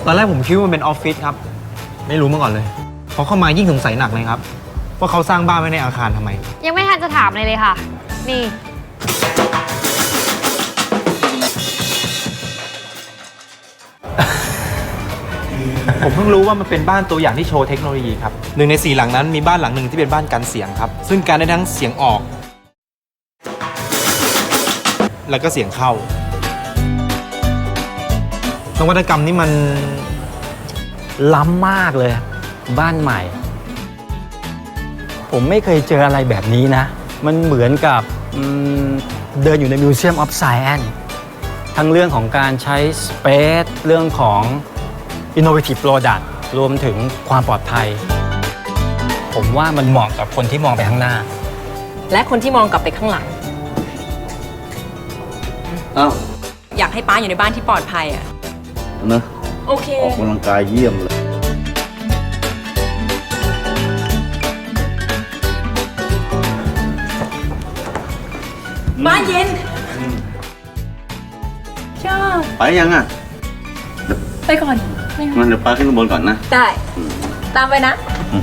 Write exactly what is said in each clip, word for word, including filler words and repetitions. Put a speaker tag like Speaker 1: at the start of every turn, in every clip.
Speaker 1: ตอนแรกผมคิดว่ามันเป็นออฟฟิศครับไม่รู้มาก่อนเลยพอเข้ามายิ่งสงสัยหนักเลยครับว่าเขาสร้างบ้านไว้ในอาคารทำไม
Speaker 2: ยังไม่ทันจะถามเลยเลยค่ะนี่
Speaker 1: ผมเพิ่งรู้ว่ามันเป็นบ้านตัวอย่างที่โชว์เทคโนโลยีครับหนึ่งในสี่หลังนั้นมีบ้านหลังหนึ่งที่เป็นบ้านกันเสียงครับซึ่งการได้ทั้งเสียงออกแล้วก็เสียงเข้านวัตกรรมนี่มัน
Speaker 3: ล้ำมากเลยบ้านใหม่ผมไม่เคยเจออะไรแบบนี้นะมันเหมือนกับเดินอยู่ในมิวเซียมออฟไซแอนซ์ทั้งเรื่องของการใช้สเปซเรื่องของ Innovative Product รวมถึงความปลอดภัยผมว่ามันเหมาะกับคนที่มองไปข้างหน้า
Speaker 4: และคนที่มองกลับไปข้างหลัง
Speaker 5: อ้าว
Speaker 4: อยากให้ป้าอยู่ในบ้านที่ปลอดภัยอ่ะ
Speaker 5: นะ
Speaker 4: โอเค
Speaker 5: ออกกำลังกายเยี่ยมเลย
Speaker 4: บ้านเย็นชอบ
Speaker 5: ไปยังอ่ะ
Speaker 4: ไปก่อน
Speaker 5: งั้นเดี๋ยวป้าขึ้นข้างบนก่อนนะ
Speaker 4: ได้ตามไปนะ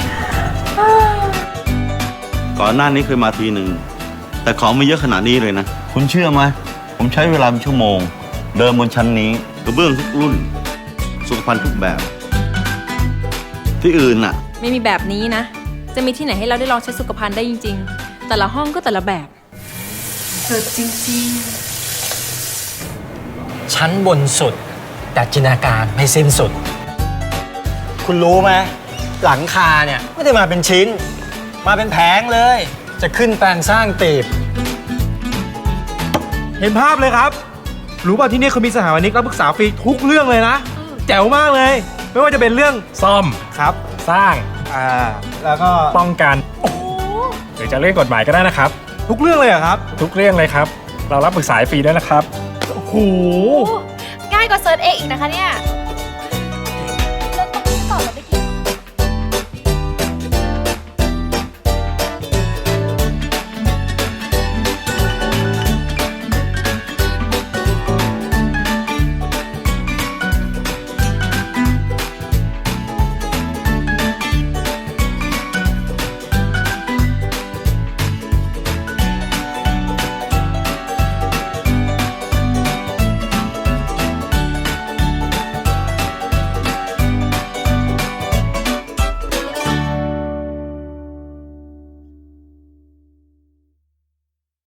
Speaker 5: ก่อนหน้านี้เคยมาทีหนึ่งแต่ของไม่เยอะขนาดนี้เลยนะคุณเชื่อไหมผมใช้เวลาเป็นชั่วโมงเดินบนชั้นนี้กระเบื้องทุกรุ่นสุขภัณฑ์ทุกแบบที่อื่นน่ะ
Speaker 4: ไม่มีแบบนี้นะจะมีที่ไหนให้เราได้ลองใช้สุขภัณฑ์ได้จริงๆแต่ละห้องก็แต่ละแบบเกิดจริง
Speaker 3: ๆชั้นบนสุดแต่จินตนาการไม่สิ้นสุดคุณรู้ไหมหลังคาเนี่ยไม่ได้มาเป็นชิ้นมาเป็นแผงเลยจะขึ้นแปลงสร้างตีบ
Speaker 1: เห็นภาพเลยครับรู้ป่ะที่นี่เขามีสถาปนิกรับปรึกษาฟรีทุกเรื่องเลยนะแจ๋วมากเลยไม่ว่าจะเป็นเรื่อง
Speaker 6: ซ่อม
Speaker 1: ครับ
Speaker 6: สร้าง
Speaker 1: อ่าแล้วก็
Speaker 6: ป้องกันหรือจะเรื่องกฎหมายก็ได้นะครับ
Speaker 1: ทุกเรื่องเลยครับ
Speaker 6: ทุกเรื่องเลยครับเรารับปรึกษาฟรีด้วยนะครับ
Speaker 2: โอ้โหง่ายกว่าเซิร์ชเองอีกนะคะเนี่ย